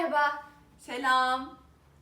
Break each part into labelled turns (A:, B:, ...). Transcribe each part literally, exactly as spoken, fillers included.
A: Merhaba.
B: Selam.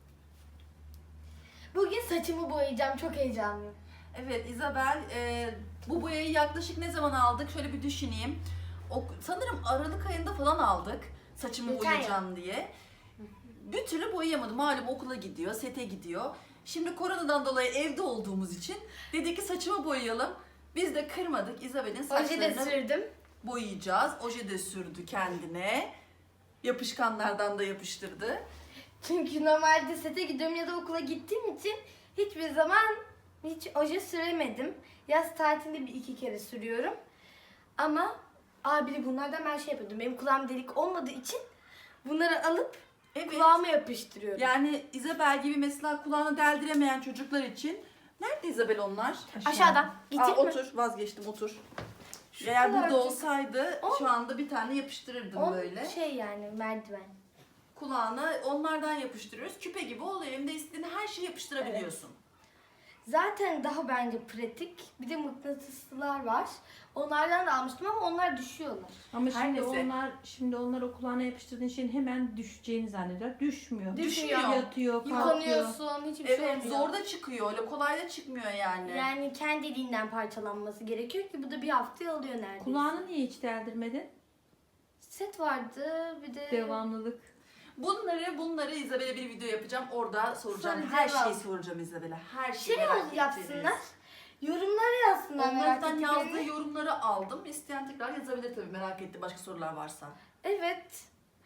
A: Bugün saçımı boyayacağım. Çok heyecanlıyım.
B: Evet İzabel, e, bu boyayı yaklaşık ne zaman aldık? Şöyle bir düşüneyim. O, sanırım Aralık ayında falan aldık. Saçımı
A: Geçen
B: boyayacağım diye. Bir türlü boyayamadım. Malum okula gidiyor, sete gidiyor. Şimdi koronadan dolayı evde olduğumuz için dedik ki saçımı boyayalım. Biz de kırmadık. İzabel'in
A: Oje de
B: saçlarını
A: sürdüm.
B: boyayacağız. Oje de sürdü kendine. Yapışkanlardan da yapıştırdı.
A: Çünkü normalde sete gidiyorum ya da okula gittiğim için hiçbir zaman hiç oje süremedim. Yaz tatilinde bir iki kere sürüyorum. Ama abili bunlardan ben şey yapıyordum. Benim kulağım delik olmadığı için bunları alıp
B: Evet.
A: kulağıma yapıştırıyorum.
B: Yani İzabel gibi mesela kulağını deldiremeyen çocuklar için. Nerede İzabel onlar?
A: Aşağıdan.
B: Aa,
A: Getir mi?
B: otur, vazgeçtim, otur. Eğer
A: kadarcık.
B: burada olsaydı
A: O-
B: şu anda bir tane yapıştırırdım
A: O
B: böyle.
A: şey yani merdiven.
B: Kulağına onlardan yapıştırıyoruz. Küpe gibi oluyor. Hem de istediğin her şeyi yapıştırabiliyorsun.
A: Zaten daha bence pratik. Bir de mıknatıslılar var. Onlardan da almıştım ama onlar düşüyorlar.
C: Ama
B: Her
C: şimdi
B: neyse.
C: onlar şimdi onlar o kulağına yapıştırdığın şeyin hemen düşeceğini zannediyor. Düşmüyor.
B: Düşmüyor.
C: Yatıyor, kalkıyor.
A: Yıkanıyorsun, hiçbir şey
B: Evet,
A: olmuyor.
B: zor da çıkıyor. Öyle kolay da çıkmıyor yani.
A: Yani kendiliğinden parçalanması gerekiyor ki bu da bir haftaya alıyor neredeyse.
C: Kulağını niye hiç deldirmedin?
A: Set vardı bir de...
C: Devamlılık.
B: Bunları bunları İzabel'e bir video yapacağım. Orada soracağım.
A: Soracağım.
B: Her şeyi soracağım İzabel'e. Her şeyi
A: Şey
B: merak
A: oldu yapsınlar.
B: ettiğiniz.
A: Yorumlara yazsınlar merak
B: Onlardan yazdığı
A: ettiklerini.
B: yorumları aldım. İsteyen tekrar yazabilir tabii, merak etti başka sorular varsa.
A: Evet.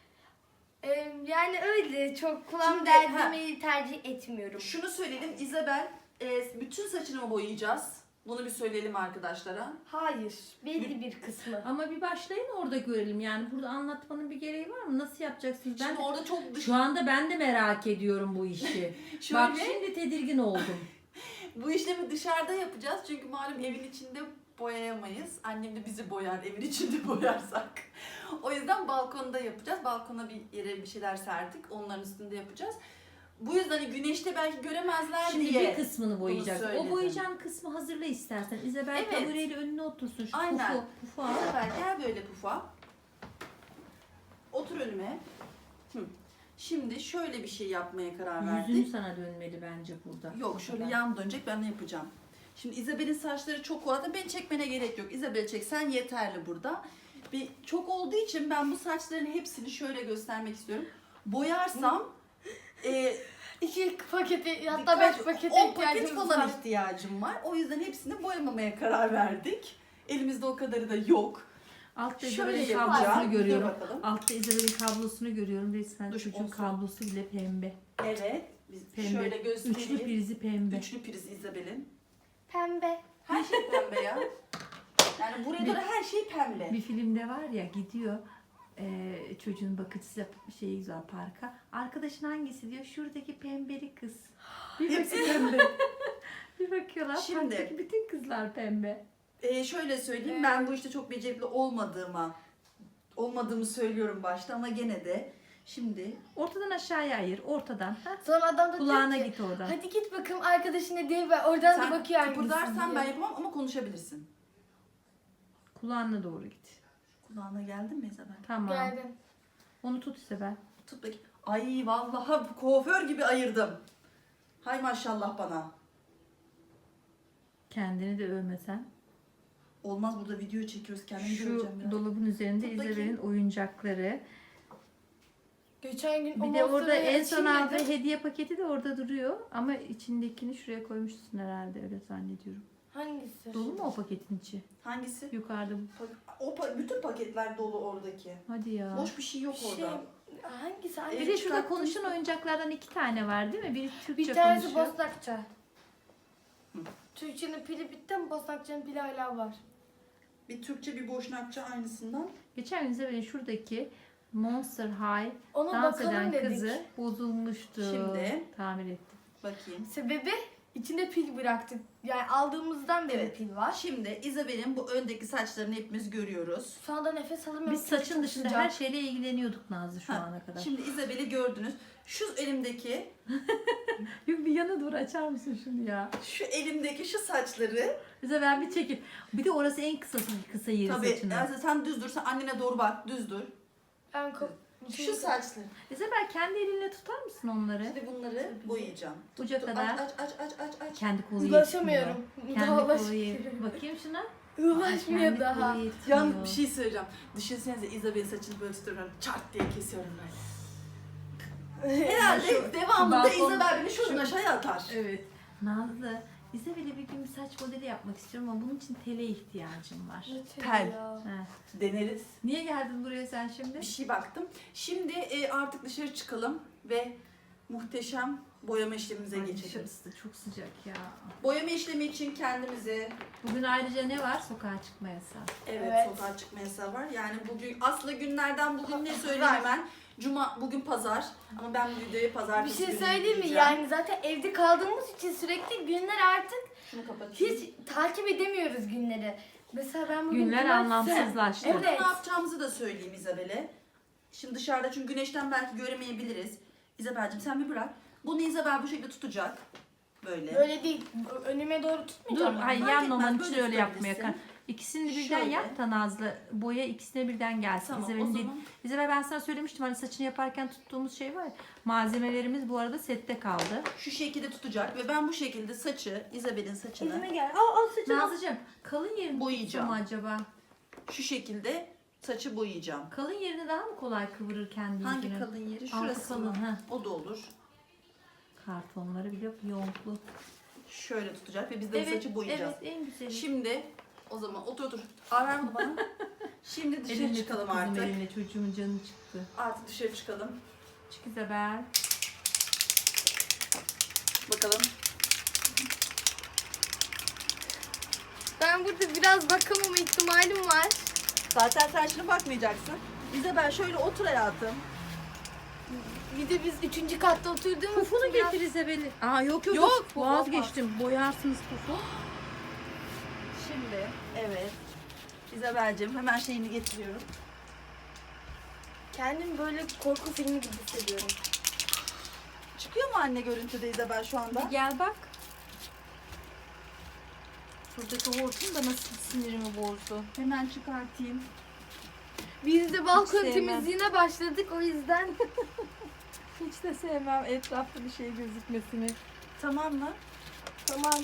A: Ee, yani öyle çok kulağım
B: Şimdi,
A: deldirmeyi tercih etmiyorum.
B: Şunu söyleyelim, İzabel e, bütün saçını mı boyayacağız? Bunu bir söyleyelim arkadaşlara.
A: Hayır. Belli bir kısmı.
C: Ama bir başlayın orada görelim. Yani burada anlatmanın bir gereği var mı? Nasıl yapacaksınız? Ben
B: Şimdi orada çok dış...
C: şu anda ben de merak ediyorum bu işi.
B: Şöyle,
C: Bak şimdi tedirgin oldum.
B: bu işlemi dışarıda yapacağız çünkü malum evin içinde boyayamayız. Annem de bizi boyar evin içinde boyarsak. O yüzden balkonda yapacağız. Balkona bir yere bir şeyler serdik. Onların üstünde yapacağız. Bu yüzden hani güneşte belki göremezler
C: Şimdi
B: diye.
C: bir kısmını boyayacak.
B: söyledim.
C: O boyayacağın kısmı hazırla istersen. İzabel
B: Evet.
C: tabureyle önüne otursun. Şu
B: Aynen.
C: pufu, pufu al.
B: İzabel gel böyle pufa. Otur önüme. Hı. Şimdi şöyle bir şey yapmaya karar verdik.
C: Yüzünü sana dönmeli bence burada.
B: Yok, şöyle yan dönecek, ben de yapacağım. Şimdi İzabel'in saçları çok oldu. Ben çekmene gerek yok. İzabel çeksen yeterli burada. Bir çok olduğu için ben bu saçların hepsini şöyle göstermek istiyorum. Boyarsam e,
A: İki paketi hatta
B: birkaç-
A: beş pakete
B: on paket
A: ihtiyacımız
B: falan
A: var.
B: ihtiyacım var. O yüzden hepsini boyamamaya karar verdik. Elimizde o kadarı da yok.
C: Altta
B: Şöyle
C: İzabel'in
B: yapacağım.
C: kablosunu
B: Dur
C: görüyorum.
B: bakalım.
C: Altta İzabel'in kablosunu görüyorum. Resmen
B: Dur,
C: çocuğun
B: olsun.
C: kablosu bile pembe.
B: Evet. Biz
C: Pembe.
B: şöyle göstereyim.
C: Üçlü prizi pembe.
B: Üçlü priz İzabel'in.
A: Pembe.
B: Her şey pembe ya. Yani buraya doğru her şey pembe.
C: Bir filmde var ya, gidiyor e, çocuğun bakıcısı şeyi güzel parka. Arkadaşın hangisi diyor? Şuradaki pembeli kız. Bir
B: Hepsi
C: bakıyor-
B: pembe.
C: Bir bakıyorlar
B: Şimdi-
C: parktaki bütün kızlar pembe.
B: Ee, şöyle söyleyeyim, ben bu işte çok becerikli olmadığıma olmadığımı söylüyorum başta ama gene de şimdi
C: Ortadan aşağıya ayır. Ortadan. Ha?
A: Sonra adam da
C: Kulağına
A: diyor ki,
C: git oradan.
A: hadi git bakalım arkadaşın ne diye var. Oradan da
B: sen
A: bakıyor hangisi
B: kıpırdarsan
A: diye.
B: ben yapamam ama konuşabilirsin.
C: Kulağına doğru git.
B: Kulağına geldin mi Ezabel?
C: Tamam.
A: Geldim.
C: Onu tut İzabel.
B: Tut bakayım. Ay vallahi kuaför gibi ayırdım. Hay maşallah bana.
C: Kendini de övmesen.
B: Olmaz, burada video çekiyoruz, kendimi
C: Şu
B: göreceğim biraz.
C: dolabın üzerinde
B: Tut bakayım.
C: İzabel'in oyuncakları.
A: Geçen gün o
C: Bir de orada
A: monster'ı
C: en son
A: açayım
C: aldığı
A: dedim.
C: hediye paketi de orada duruyor. Ama içindekini şuraya koymuşsun herhalde, öyle zannediyorum.
A: Hangisi?
C: Dolu mu o paketin içi?
B: Hangisi?
C: Yukarıda.
B: Pa- O pa- bütün paketler dolu oradaki.
C: Hadi ya.
B: Boş bir şey yok
A: Şey,
B: orada.
A: hangisi?
B: Evet,
A: hangisi?
C: Bir de şurada
B: çıkarttım.
C: konuşan oyuncaklardan iki tane var değil mi? Biri Türkçe
A: Bir tanesi
C: konuşuyor.
A: Bosnakça.
B: Hı.
A: Türkçenin pili bitti ama Bosnakçanın pili hala var.
B: Bir Türkçe bir Boşnakça aynısından.
C: Geçen gün İzabel'in şuradaki Monster High
A: Ona
C: dans
A: bakalım
C: eden
A: dedik.
C: kızı bozulmuştu.
B: Şimdi-
C: Tamir ettim.
B: Bakayım.
A: Sebebi içinde pil bıraktık. Yani aldığımızdan beri
B: Evet.
A: pil var.
B: Şimdi İzabel'in bu öndeki saçlarını hepimiz görüyoruz.
A: Şu anda nefes alamıyorum.
C: Biz
A: çünkü
C: saçın
A: çok
C: dışında
A: sıcak.
C: her şeyle ilgileniyorduk Nazlı şu
B: Ha,
C: ana kadar.
B: Şimdi İzabel'i gördünüz. Şu elimdeki,
C: Yok, bir yana doğru açar mısın şunu ya?
B: şu elimdeki şu saçları.
C: İzabel bir çekil. Bir de orası en kısası, kısa yeri
B: Tabii
C: saçının.
B: Elsa sen düz dur. Sen annene doğru bak. Düz dur.
A: Ben ko-
B: Şu saçlı.
C: İzabel kendi elinle tutar mısın onları?
B: Şimdi bunları boyayacağım.
C: Uca
B: Tuttum.
C: kadar.
B: Aç aç aç aç aç aç.
C: Kendi kolu
A: Ulaşamıyorum.
C: yetmiyor.
A: Daha
C: Kendi
A: ulaş-
C: kolu yetmiyor. Bakayım şuna.
A: Ulaşmıyor
C: Kendi
A: daha.
C: kolu yetmiyor.
B: Yalnız bir şey söyleyeceğim. Düşünsenize İzabel'in saçını böyle tutuyorum. Çart diye kesiyorum böyle. Herhalde
C: Şu-
B: devamında
C: şu balkon-
B: İzabel beni şuradan
C: şu-
B: aşağıya atar.
C: Evet. Nazlı, İzabel'e bir gün bir saç modeli yapmak istiyorum ama bunun için tele ihtiyacım var.
B: Tel.
A: Ya.
C: He.
B: Deneriz.
C: Niye geldin buraya sen şimdi?
B: Bir şey baktım. Şimdi e, artık dışarı çıkalım ve muhteşem boyama işlemimize
C: Ay,
B: geçelim.
C: dışarısı da çok sıcak ya.
B: Boyama işlemi için kendimize
C: Bugün ayrıca ne var? Sokağa çıkma yasağı.
B: evet,
A: Evet.
B: sokağa çıkma yasağı var. Yani bugün aslında günlerden bugün ne
A: Var.
B: söyleyeyim hemen. Cuma bugün pazar ama ben bu videoyu
A: Bir
B: pazartesi
A: şey
B: günü
A: söyleyeyim mi?
B: yükleyeceğim.
A: Yani zaten evde kaldığımız için sürekli günler artık
B: Şunu kapatayım.
A: hiç takip edemiyoruz günleri. Mesela ben bugün
C: Günler
A: cumartesi-
C: anlamsızlaştı.
B: Orada
A: Evet.
B: ne yapacağımızı da söyleyeyim İzabel'e. Şimdi dışarıda çünkü güneşten belki göremeyebiliriz. İzabel'cim sen bir bırak. Bunu İzabel bu şekilde tutacak. Böyle.
A: Böyle değil. Önüme doğru
C: Dur,
A: tutmayacağım.
C: hayır
B: Fark
C: yan
B: etmez,
C: olman
B: böyle
C: için öyle yapmaya
B: tutabilirsin.
C: kal. İkisini de birden
B: Şöyle.
C: yap da Nazlı. Boya ikisine birden gelsin.
B: Tamam, o
C: İzabel'in
B: zaman-
C: dedi- İzabel ben sana söylemiştim hani saçını yaparken tuttuğumuz şey var ya. Malzemelerimiz bu arada sette kaldı.
B: Şu şekilde tutacak ve ben bu şekilde saçı, İzabel'in saçını
A: Elime gel. Al al saçını.
C: Nazlıcığım kalın yerini
B: Boyayacağım.
C: tutacağım acaba?
B: şu şekilde saçı boyayacağım.
C: Kalın yerini daha mı kolay kıvırır kendi
B: Hangi
C: yüzünü?
B: kalın yeri?
C: Altı
B: Şurası
C: kalın,
B: mı?
C: ha.
B: O da olur.
C: Kartonları bile yoğunluklu.
B: Şöyle tutacak ve biz de saçı boyayacağız.
C: Evet en güzeli.
B: Şimdi o zaman otur otur. Aa, ver bunu bana. Şimdi dışarı
C: Elinle
B: çıkalım
C: tut kızım,
B: artık.
C: Elinle çocuğumun canı çıktı.
B: Artık dışarı çıkalım.
C: Çık İzabel.
B: Bakalım.
A: Ben burada biraz bakamama ihtimalim var.
B: Zaten sen şimdi bakmayacaksın. İzabel şöyle otur hayatım.
A: Bir de biz üçüncü katta oturduğumuz
C: Pufunu
A: için biraz-
C: getir İzabel'i. Aa yok yok.
B: Yok, puf
C: Vazgeçtim. Boyarsınız pufu.
B: Şimdi evet. İzabel'cim hemen şeyini getiriyorum.
A: Kendimi böyle korku filmi gibi hissediyorum.
B: Çıkıyor mu anne görüntüde İzabel şu anda?
C: Bir gel bak. Şuradaki hortum da nasıl sinirimi bozdu.
B: Hemen çıkartayım.
A: Biz de balkon
C: sevmem.
A: temizliğine başladık o yüzden.
C: Hiç de sevmem etrafta bir şey gözükmesini.
B: Tamam mı?
A: Tamam.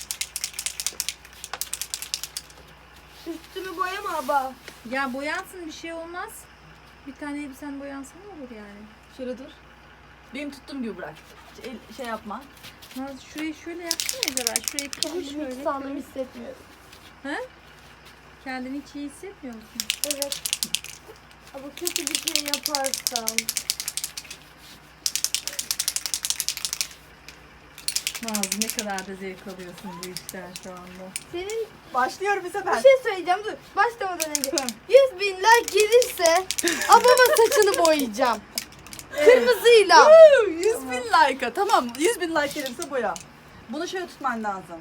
A: Üstümü boyama abla.
C: Ya boyansın bir şey olmaz. Bir tane elbisen boyansın ne olur yani.
B: Şöyle dur. Benim tuttuğum gibi bırak. El, şey yapma.
C: Naz şurayı şöyle yapsana İzabel. Şurayı kıvır
A: Kendimi
C: şöyle.
A: hiç sağlam hissetmiyorum.
C: Ha? Kendini hiç iyi hissetmiyor musun?
A: Evet. Ama kötü bir şey yaparsam.
C: Nazlı ne kadar da zevk alıyorsun bu işten şu anda.
A: Senin
B: Başlıyorum İzabel.
A: bir şey söyleyeceğim dur. Başlamadan önce. yüz bin like gelirse abama saçını boyayacağım. Kırmızıyla.
B: yüz bin like'a. Tamam. yüz bin like gelirse boya. Bunu şöyle tutman lazım.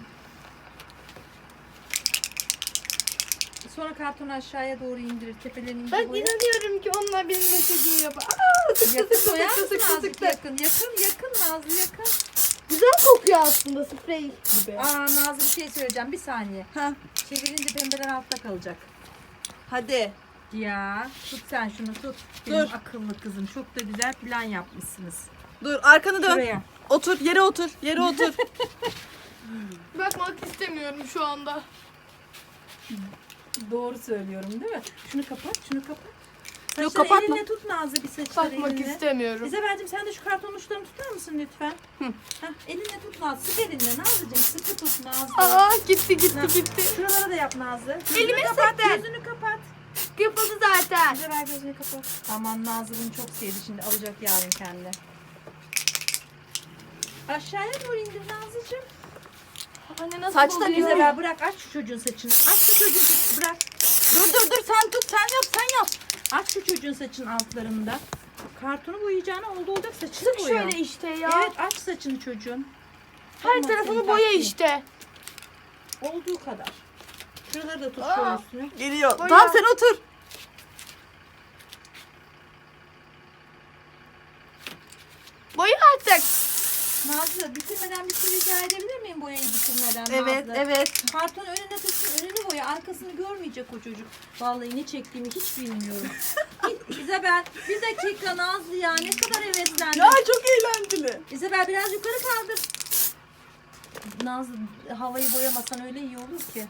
C: Sonra kartonu aşağıya doğru indirir. Tepelerini
A: Ben
C: ince boyar.
A: inanıyorum ki onlar benim mesajımı yapar. Aa, tık tık
C: Yakın
A: tık
C: boyar
A: tık
C: mısın
A: tık
C: Nazlı?
A: tık tık.
C: Yakın, yakın, yakın Nazlı yakın.
A: Güzel kokuyor aslında sprey gibi.
C: Aa Nazlı bir şey söyleyeceğim bir saniye.
B: Ha.
C: Çevirince pembeler altta kalacak.
B: Hadi.
C: Ya tut sen şunu tut.
B: Dur.
C: Benim akıllı kızım çok da güzel plan yapmışsınız.
B: Dur arkanı dön.
C: Şuraya.
B: Otur. Yere otur. Yere otur.
A: Bakmak istemiyorum şu anda.
C: Doğru söylüyorum değil mi? Şunu kapat, şunu kapat. Saçları
B: Yok, kapatma.
C: elinle tut Nazlı bir saçları
A: Bakmak
C: elinle.
A: istemiyorum.
C: İzabel'cim sen de şu karton uçlarını tutar mısın lütfen?
B: Hı.
C: Heh, elinle tut Nazlı. Sık elinle Nazlıcığım. Sıkı tut Nazlı.
A: Aa gitti gitti
C: Na-
A: gitti.
C: Şuralara da yap Nazlı. Gözünü
A: Elime
C: kapat,
A: sıktın.
C: gözünü kapat.
A: Kapalı zaten.
C: İzabel gözünü kapat. Aman Nazlı bunu çok sevdi şimdi alacak yarın kendine. Aşağıya doğru indir Nazlıcığım.
A: Anne nasıl
B: Saçlar
A: oluyor?
C: İzabel bırak aç şu çocuğun saçını. Aç şu çocuğun saçını bırak.
B: dur dur dur sen tut. Sen yap sen yap.
C: Aç şu çocuğun saçının altlarını da. Kartonu boyayacağına oldu olacak saçını
A: Sık
C: boya.
A: şöyle işte ya.
C: Evet aç saçını çocuğun.
A: Her
C: Tamam,
A: tarafını
C: senin
A: boya
C: taktiğin.
A: işte.
C: Olduğu kadar. Şuraları da tut
A: Aa.
C: şöyle üstüne.
B: Geliyor.
A: Boya.
B: Tamam sen otur.
A: Boya artık.
C: Nazlı bitirmeden bir şey rica edebilir miyim boyayı bitirmeden
B: Evet,
C: Nazlı?
B: evet.
C: Karton önüne tutsun, önünü boya, arkasını görmeyecek o çocuk. Vallahi ne çektiğimi hiç bilmiyorum. Git İzabel, bir dakika Nazlı ya, ne kadar heveslendin.
B: Ya çok eğlenceli.
C: İzabel biraz yukarı kaldır. Nazlı havayı boyamasan öyle iyi olur ki.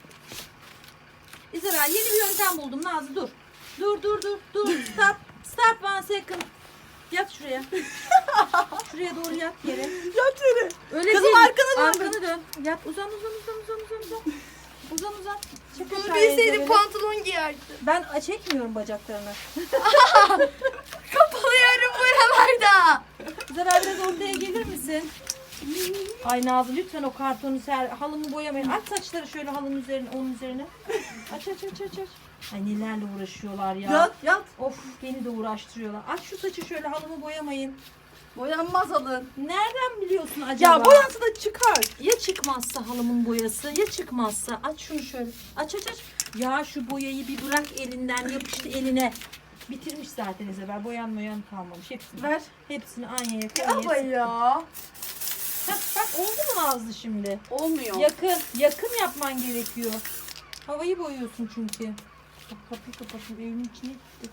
C: İzabel yeni bir yöntem buldum Nazlı dur. Dur dur dur dur stop stop one second. Yat şuraya. Şuraya doğru yat yere.
B: Yat yere.
C: Öyle
B: Kızım
C: değil.
B: arkana dön.
C: Arkanı dön. Yat uzan uzan uzan uzan uzan uzan. Uzan uzan. Çek
A: Bunu
C: aşağıya
A: bilseydim
C: İzabel'i.
A: pantolon giyerdim.
C: Ben çekmiyorum bacaklarını.
A: Kapalıyorum buralarda.
C: İzabel biraz ortaya gelir misin? Ay Nazlı lütfen o kartonu ser, halımı boyamayın. Aç saçları şöyle halının üzerine, onun üzerine. Aç aç aç aç aç. Ay nelerle uğraşıyorlar ya.
B: Yat yat.
C: Of beni de uğraştırıyorlar. Aç şu saçı şöyle halımı boyamayın.
B: Boyanmaz alın.
C: Nereden biliyorsun acaba?
B: Ya boyansı da çıkar.
C: Ya çıkmazsa halımın boyası ya çıkmazsa. Aç şunu şöyle. Aç aç aç. Ya şu boyayı bir bırak elinden yapıştı eline. Bitirmiş zaten İzabel. Boyan boyan kalmamış. Hepsini.
B: Ver.
C: Hepsini Anya'ya koy.
A: Ama
C: yesin.
A: ya.
C: Heh, bak oldu mu Nazlı şimdi?
B: Olmuyor.
C: Yakın. Yakın yapman gerekiyor. Havayı boyuyorsun çünkü. Bak kapıyı kapatın. Evimin içine gitti.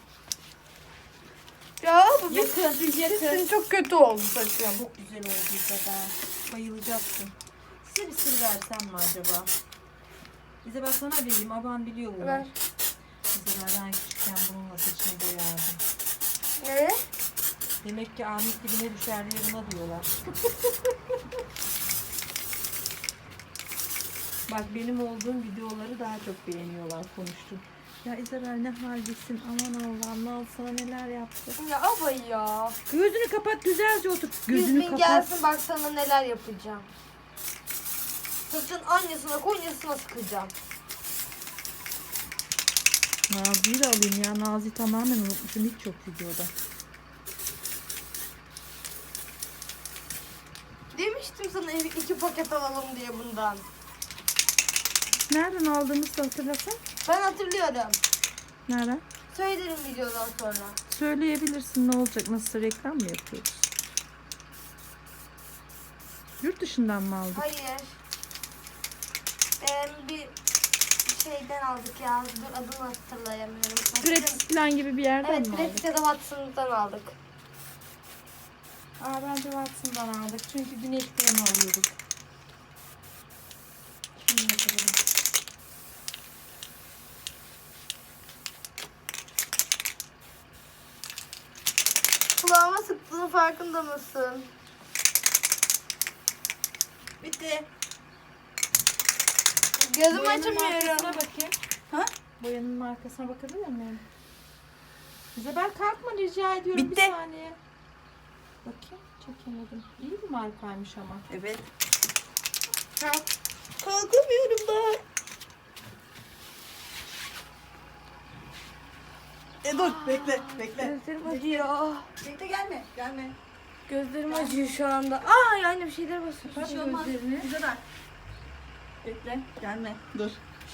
A: Ya bu
C: Yakın. Yakın.
A: Senin çok kötü oldu saçım.
C: Çok güzel oldu İzabel. Bayılacaksın. Size bir sır versem mi acaba? İzabel sana vereyim. Aban biliyor bunu.
A: Ver.
C: İzabel ben küçükken bununla saçını boyardım.
A: Ne?
C: Demek ki Ahmet dibine düşer yarına diyorlar. Bak benim olduğum videoları daha çok beğeniyorlar konuştum. Ya İzabel ne haldesin? Aman Allah'ım Nal sana neler yaptı.
A: Ya ama ya.
C: Gözünü kapat güzelce otur.
A: Yüz
C: Gözünü
A: bin
C: kapat.
A: gelsin bak sana neler yapacağım. Saçın annesine konyasına sıkacağım.
C: Nazlı'yı da alayım ya. Nazlı'yı tamamen unutmuşum. Hiç çok videoda.
A: Demiştim sana iki paket alalım diye bundan.
C: Nereden aldığımızı da hatırlasan?
A: Ben hatırlıyorum.
C: Nereden?
A: Söylerim videodan sonra.
C: Söyleyebilirsin ne olacak? Nasıl reklam mı yapıyoruz? Yurt dışından mı aldık?
A: Hayır. Ee, bir şeyden aldık ya. Dur adını hatırlayamıyorum.
C: Gratis falan gibi bir yerden
A: Evet,
C: mi aldık?
A: Gratis ya da Watson'dan aldık.
C: Aa, bence Watson'dan aldık. Çünkü güneş kremi alıyorduk. Şunu yapalım.
A: Kulağıma sıktığının farkında mısın?
C: Bitti.
A: Gözümü
C: Boyanın
A: açamıyorum.
C: markasına bakayım.
B: Ha?
C: Boyanın markasına bakabilir miyim? İzabel kalkma rica ediyorum
B: Bitti.
C: bir saniye. Bakayım çekemedim. İyi bir markaymış ama.
B: Evet.
A: Kalk. Kalkamıyorum ben.
B: E dur bekle bekle.
A: Gözlerim acıyor.
B: Bekle gelme gelme.
A: Gözlerim acıyor şu anda. Aa yani bir şeyler basıyor.
B: Bir şey olmaz. Güzel. Bekle gelme. Dur.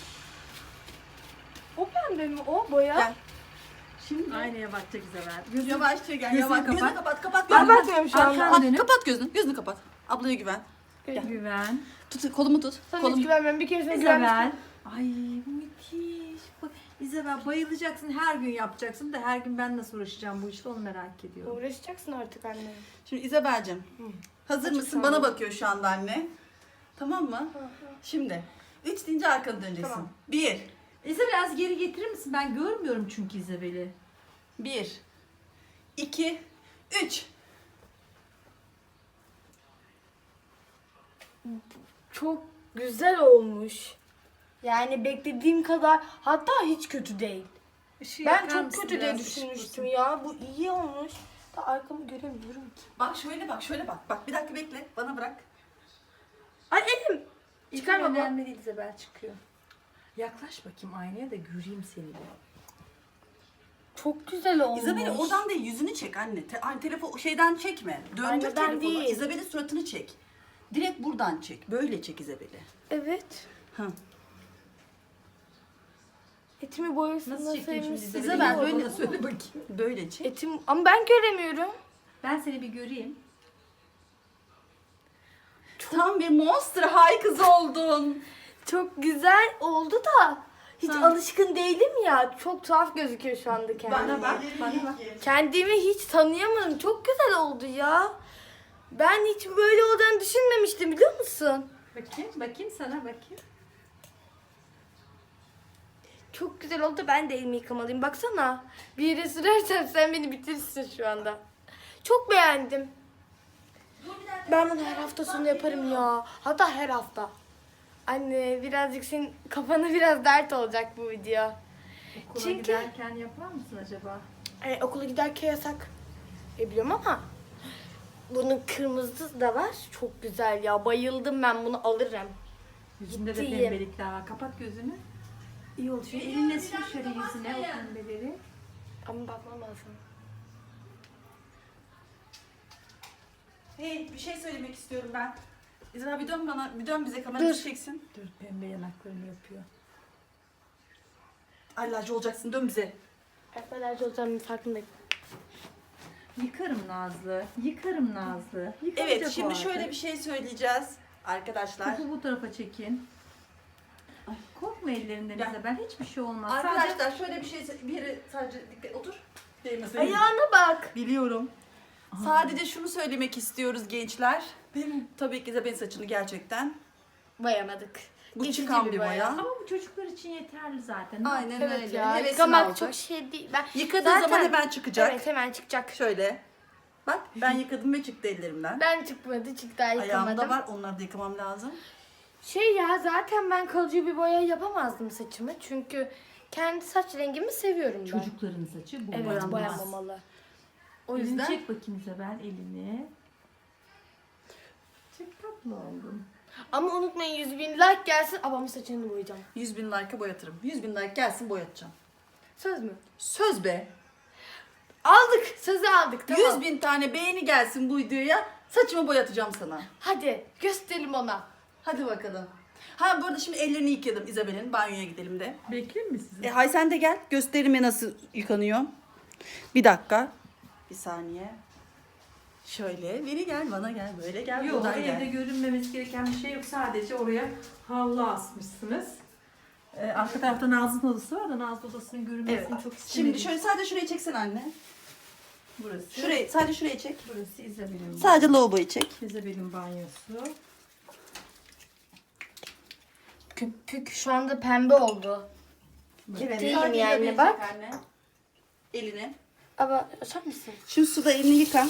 A: O pembe mi o boya?
B: Gel. Şimdi
C: Aynaya bakacak İzabel.
B: yavaşça gel.
C: Gözünü
B: Yavaş.
C: kapat.
B: Gözünü kapat kapat.
A: Ben
B: gözünü.
A: bakmıyorum şu anda.
C: Arkan-
B: Kapat,
C: dönüp.
B: kapat gözünü. Gözünü kapat. Ablaya güven.
C: Güven.
B: Tut kolumu tut.
A: Sana
B: Kolumu.
A: hiç güvenmiyorum. Bir keresine
C: İzabel.
A: güvenmiştim.
C: Ay bu müthiş. Bak, İzabel bayılacaksın. Her gün yapacaksın da her gün ben nasıl uğraşacağım bu işte onu merak ediyorum.
A: Uğraşacaksın artık anne.
B: Şimdi İzabel'cim. Hazır
A: Açık
B: mısın?
A: sağ
B: Bana
A: ol.
B: bakıyor şu anda anne. Tamam mı? Şimdi. Üç deyince arkanı döneceksin.
A: Tamam.
B: Bir.
C: İzabel biraz geri getirir misin? Ben görmüyorum çünkü İzabel'i.
B: Bir. İki. Üç.
A: Çok güzel olmuş. Yani beklediğim kadar hatta hiç kötü değil.
C: Işığı
A: Ben
C: yakar
A: çok
C: mısın?
A: kötü diye
C: Biraz ışık
A: düşünmüştüm
C: olsun.
A: ya. Bu iyi olmuş. Da arkamı göremiyorum ki.
B: Bak şöyle bak şöyle bak. Bak bir dakika bekle. Bana bırak.
A: Ay elim. Çıkarma bu.
C: Önemli değil İzabel çıkıyor. Yaklaş bakayım aynaya da göreyim seni de.
A: Çok güzel olmuş.
B: İzabel'i oradan değil yüzünü çek anne. Te, hani telefon şeyden çekme. Döndür
A: Aynadan
B: telefonu.
A: değil.
B: İzabel'in suratını çek. Direkt buradan çek. Böyle çek İzabel'i.
A: Evet.
B: Ha.
A: Etimi boyasını
C: Nasıl
A: nasıl
C: çekeyim şimdi
A: sevmişsin.
C: İzabel'i?
B: İzabel
C: Bana
B: böyle
C: söyle bakayım.
B: Böyle çek.
A: Etim ama ben göremiyorum.
C: Ben seni bir göreyim.
B: Tam bir Monster High kızı oldun.
A: Çok güzel oldu da hiç
B: Ha.
A: alışkın değilim ya. Çok tuhaf gözüküyor şu anda kendim.
B: Bana bak, bana bak.
A: Kendimi hiç tanıyamadım. Çok güzel oldu ya. Ben hiç böyle olduğunu düşünmemiştim biliyor musun?
C: Bakayım, bakayım sana bakayım.
A: Çok güzel oldu. Ben de elimi yıkamalıyım. Baksana. Bir yere sürersem sen beni bitirirsin şu anda. Çok beğendim. Ben bunu her hafta sonu yaparım ya. Hatta her hafta. Anne birazcık senin kafana biraz dert olacak bu video.
C: Okula
A: Çünkü-
C: giderken yapar mısın acaba?
A: E, okula giderken yasak. E, biliyorum ama bunun kırmızısı da var. Çok güzel ya. Bayıldım, ben bunu alırım.
C: Yüzünde de
A: Ciddiyim.
C: pembelikler var. Kapat gözünü. İyi oldu. Şöyle elinle sür şöyle yüzüne o pembeleri.
A: Ama bakmam lazım.
B: Hey, bir şey söylemek istiyorum ben. İzra bir dön bana, bir dön bize kamerayı
A: Dur.
B: çeksin.
C: Dur, pembe yanaklarını yapıyor.
B: Allah'cı olacaksın, dön bize.
A: Affedersin olacağım farkındayım.
C: Yıkarım Nazlı. Yıkarım Nazlı. Yıkanacak
B: Evet,
C: o
B: şimdi
C: artık.
B: şöyle bir şey söyleyeceğiz arkadaşlar.
C: Topu bu tarafa çekin. Ay, korkma ellerinden
B: Gel.
C: İzabel. Hiçbir şey olmaz. Sadece
B: Arkadaşlar şöyle bir şey, bir yere sadece dikkat otur. Değmesin.
A: Ayağına bak.
B: Biliyorum. Sadece şunu söylemek istiyoruz gençler. Benim tabii ki de benim saçını gerçekten.
A: Bayamadık.
B: Bu
A: Geçici
B: çıkan
A: bir
B: bir
A: boya.
B: boya.
C: ama bu çocuklar için yeterli zaten.
B: Aynen
A: Evet
B: öyle.
A: ya.
B: Hevesini
A: Yıkamak
B: alacak.
A: çok şey değil. Ben
B: Yıkadığı
A: Zaten-
B: zaman hemen çıkacak.
A: Evet, hemen çıkacak.
B: Şöyle. Bak ben yıkadım ve çıktı ellerimden.
A: Ben çıkmadı, çıktı daha
B: Ayağımda
A: yıkamadım.
B: var, onları da yıkamam lazım.
A: Şey ya, zaten ben kalıcı bir boya yapamazdım saçımı. Çünkü kendi saç rengimi seviyorum ben.
C: Çocukların saçı bu.
A: Evet,
B: boyanmaz.
A: boyanmamalı. O
C: Elini
A: yüzden
C: çek bakayım İzabel elini. Çok tatlı oldun.
A: ama unutmayın, yüz bin like gelsin, abamın saçını boyayacağım.
B: yüz bin like'a boyatırım. yüz bin like gelsin boyatacağım.
A: Söz mü?
B: Söz be.
A: Aldık, sözü aldık, tamam.
B: yüz bin tane beğeni gelsin bu videoya. Saçımı boyatacağım sana.
A: Hadi gösterelim ona.
B: Hadi bakalım. Ha bu arada şimdi ellerini yıkadım İzabel'in. Banyoya gidelim de.
C: Bekleyeyim mi sizi?
B: E, hay sen de gel. Göstereyim ya nasıl yıkanıyor. Bir dakika. Bir saniye. Şöyle. Biri gel bana gel. Böyle gel.
C: Yok,
B: buradan
C: evde
B: gel.
C: görünmemesi gereken bir şey yok. Sadece oraya havlu asmışsınız. Ee, arka tarafta Nazlı'nın odası var da Nazlı odasının görünmesini
B: Evet.
C: çok istemedim.
B: Şimdi şöyle sadece şurayı çeksen anne.
C: burası.
B: Şurayı, sadece şurayı çek.
C: Burası İzabel'in
B: Sadece lavaboyu çek.
C: İzabel'in banyosu.
A: Köpük şu anda pembe oldu. Ciddiyim
B: Sadece
A: yani,
B: lavaboyu
A: bak.
B: çek anne. Elini.
A: Ama açar mısın?
B: Şimdi suda elini yıka.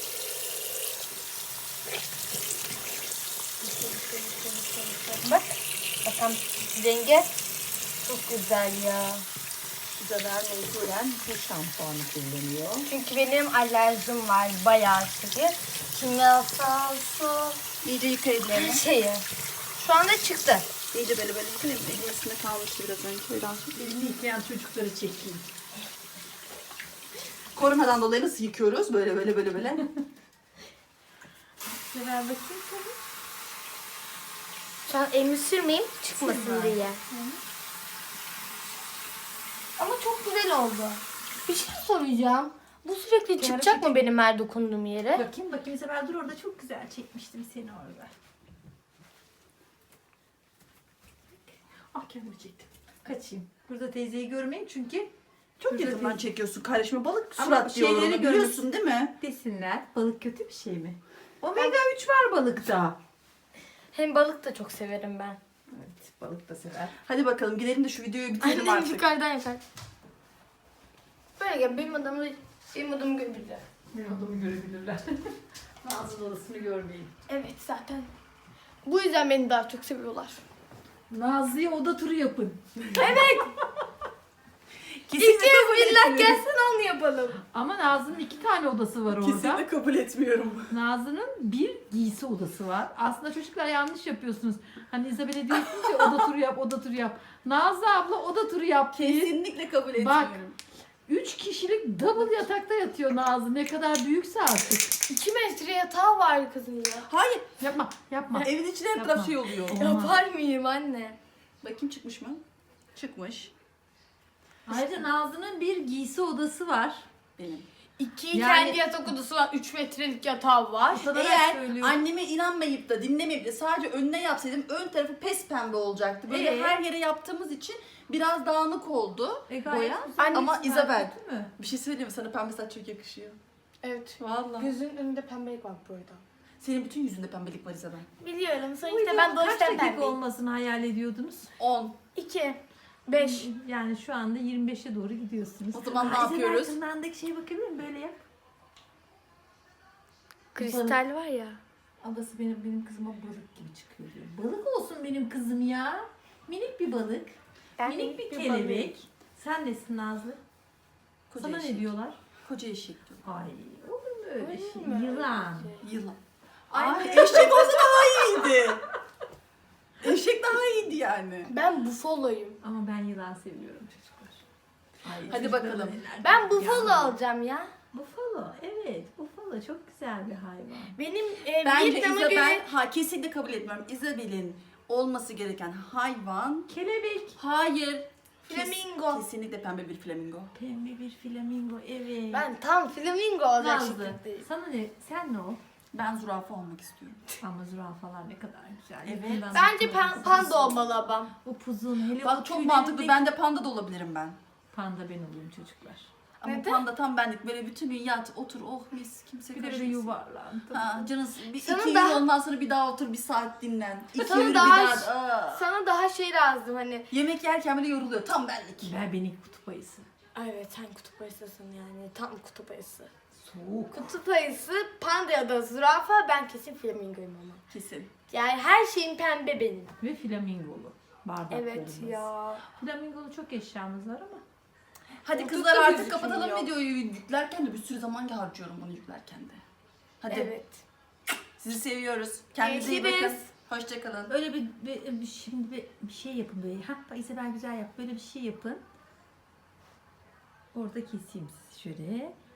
A: Bak. Bakın rengi çok güzel ya.
B: İzabel mecburen bu şampuanı kullanıyor.
A: Çünkü benim alerjim var bayağı sıkı. Kimyasal su,
B: İyice yıka
A: her
B: ellerini.
A: şeyi. Şu anda çıktı.
B: İyice böyle böyle yıka. Elin üstünde kalmıştı biraz önce. Biraz.
C: Elini yıkayan çocukları çekeyim.
B: Koronadan dolayı nasıl yıkıyoruz? Böyle böyle böyle böyle.
C: Ver bakayım tabii.
A: Şu an elimi sürmeyeyim çıkmasın
C: Sürme.
A: diye. Ama çok güzel oldu. Bir şey soracağım. Bu sürekli çıkacak mı benim her dokunduğum yere?
C: Bakayım bakayım İzabel dur orada çok güzel çekmiştim seni orada. Ah kendimi çektim. Kaçayım. Burada teyzeyi görmeyin çünkü
B: Çok
C: Burada
B: yakından
C: değil.
B: çekiyorsun kardeşime. Balık
C: Ama
B: surat diyorlar
C: şeyleri
B: ona, biliyorsun değil mi?
C: desinler. Balık kötü bir şey mi? Omega üç var balıkta.
A: Hem balık da çok severim ben.
C: Evet balık da sever.
B: Hadi bakalım gidelim de şu videoyu bitirelim
A: Annem
B: artık.
A: yukarıdan yapar. Böyle gel, benim adamı, benim adamı görebilirler.
C: Benim adamı görebilirler. Nazlı'nın odasını görmeyin.
A: Evet zaten. Bu yüzden beni daha çok seviyorlar.
C: Nazlı'ya oda turu yapın.
B: Kesinlikle
A: İki yüz
B: kabul
A: bin like
B: etmiyorum.
A: gelsin onu yapalım.
C: Ama Nazlı'nın iki tane odası var orada.
B: Kesinlikle kabul etmiyorum.
C: Nazlı'nın bir giysi odası var. Aslında çocuklar yanlış yapıyorsunuz. Hani İzabel'e diyorsunuz ya oda turu yap, oda turu yap. Nazlı abla oda turu yap diye.
B: Kesinlikle kabul
C: Bak.
B: etmiyorum.
C: Üç kişilik double yatakta yatıyor Nazlı. Ne kadar büyükse artık.
A: İki metre yatağı var kızın ya.
B: Hayır.
C: Yapma, yapma.
B: Evin içine hep
C: Yapma.
B: laf şey oluyor.
C: Olmaz.
A: Yapar mıyım anne?
B: Bakayım çıkmış mı? Çıkmış.
C: Ayrıca Nazlı'nın bir giysi odası var.
B: Benim.
A: İki
C: Yani-
A: kendi yatak odası var. Üç metrelik yatağı var.
C: Utanarak
B: Eğer
C: söylüyorum.
B: anneme inanmayıp da dinlemeyip de sadece önüne yapsaydım ön tarafı pes pembe olacaktı. Böyle
C: Ee?
B: her yere yaptığımız için biraz dağınık oldu
C: E, gayet
B: boya.
C: güzel.
B: Ama
C: Annesi
B: İzabel,
C: kötü mü?
B: bir şey söyleyeyim mi? Sana pembe saç çok yakışıyor.
A: Evet.
B: Vallahi.
A: Gözünün önünde pembelik var burada.
B: Senin bütün yüzünde pembelik var İzabel.
A: Biliyorum.
C: Bu
A: Sonuçta
C: videonun
A: ben
C: kaç
A: doğuştan
C: dakika
A: pembeyim.
C: olmasını hayal ediyordunuz?
B: on.
A: İki. Beş.
C: Yani şu anda yirmi beşe doğru gidiyorsunuz.
B: O zaman ne
C: Aa, İzabel,
B: yapıyoruz?
C: tırnağındaki şeye bakabilir miyim? Böyle yap.
A: Kristal var ya.
C: Ablası benim benim kızıma balık gibi çıkıyor diyor. Balık olsun benim kızım ya. Minik bir balık.
A: Ben
C: minik bir
A: bir
C: kelebek. Sen nesin Nazlı?
B: Koca
C: Sana
B: eşek.
C: ne diyorlar?
B: Koca eşek diyor.
C: Ay olur mu öyle
A: Olur
C: şey?
A: mu öyle
C: Yılan.
A: şey?
B: Yılan.
C: Ay,
B: Ay eşek olsa daha iyiydi. Eşek daha iyiydi yani.
A: Ben bufaloyum.
C: Ama ben yılan seviyorum çocuklar. Ay,
B: Hadi
C: çocuklar
B: bakalım.
C: neler
A: Ben
C: diyor
A: bufalo
C: ya.
A: alacağım ya.
C: Buffalo, evet. Buffalo çok güzel bir hayvan.
A: Benim e,
B: Bence
A: Vietnam'a
B: İzabel,
A: göre
B: ha kesinlikle kabul etmiyorum. İzabel'in olması gereken hayvan,
C: Kelebek.
B: hayır.
A: Flamingo.
B: Kes- kesinlikle pembe bir flamingo.
C: Pembe bir flamingo, evet.
A: ben tam flamingo olacak
C: Nazlı,
A: şekildeyim.
C: sana ne? Sen ne ol?
B: Ben zürafa olmak istiyorum.
C: Ama zürafalar ne kadar güzel.
B: Evet.
C: Yakından
A: Bence
C: bakmak
A: pan,
C: lazım.
A: panda olmalı abam.
C: Upuzun, hele
B: Bak
C: o
B: çok
C: tüylerindeki-
B: mantıklı. Ben de panda da olabilirim ben.
C: Panda ben olayım çocuklar.
B: Ama
A: Neden?
B: panda tam benlik. Böyle bütün gün yat, otur, oh mis, kimse
C: Bir de böyle
B: karışmasın.
C: yuvarlan.
B: Ha, canınız bir
A: Sana
B: iki
A: daha-
B: yıl ondan sonra bir daha otur bir saat dinlen. İki
A: Sana
B: yürü bir
A: daha-
B: daha. Aa.
A: Sana daha şey lazım hani.
B: Yemek yerken bile yoruluyor. Tam benlik.
C: Ver beni kutup ayısı.
A: Evet sen kutup ayısısın yani. Tam kutup ayısı.
C: Soğuk.
A: Kutup ayısı, panda ya da zürafa, ben kesin flamingoyum ama.
B: Kesin.
A: Yani her şeyin pembe benim.
C: Ve flamingolu. Bardaklarımız.
A: Evet ya.
C: Flamingolu çok eşyamız var ama.
B: Hadi
A: Koltukta
B: kızlar artık
A: gözükmüyor.
B: kapatalım videoyu. Yüklerken de bir sürü zaman harcıyorum bunu yüklerken de. Hadi.
A: Evet.
B: Sizi seviyoruz. Kendinize iyi
A: Görüşürüz.
B: bakın. Hoşçakalın.
C: Öyle bir, bir, bir şimdi bir, bir şey yapın böyle. Ha, bak İzabel güzel yap. Böyle bir şey yapın. Orada keseyim sizi şöyle.